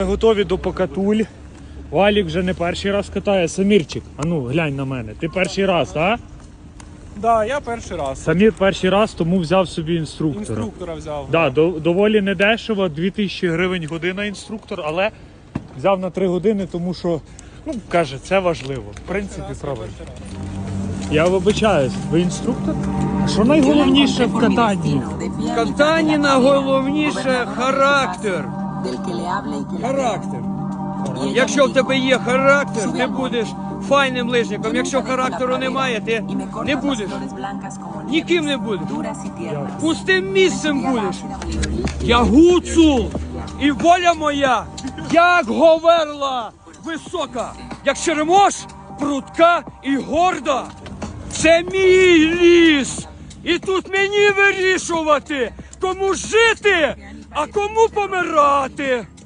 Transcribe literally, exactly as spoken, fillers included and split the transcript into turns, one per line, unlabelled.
Ми готові до покатуль. Валік вже не перший раз катає. Самірчик, а ну глянь на мене. Ти перший раз, так?
Да, я перший раз.
Самір перший раз, тому взяв собі інструктора.
Інструктора взяв.
Да, до, доволі недешево, дві тисячі гривень година інструктор, але взяв на три години, тому що, ну, каже, це важливо. В принципі, правильно. Я вибачаюсь, ви інструктор? А що найголовніше в катанні?
В катанні найголовніше характер. Характер. Якщо в тебе є характер, ти будеш файним лижником. Якщо характеру немає, ти не будеш. Ніким не будеш. Пустим місцем будеш. Я гуцул, і воля моя, як говерла, висока, як черемош, прудка і горда. Це мій ліс, і тут мені вирішувати, кому жити, а кому помирати.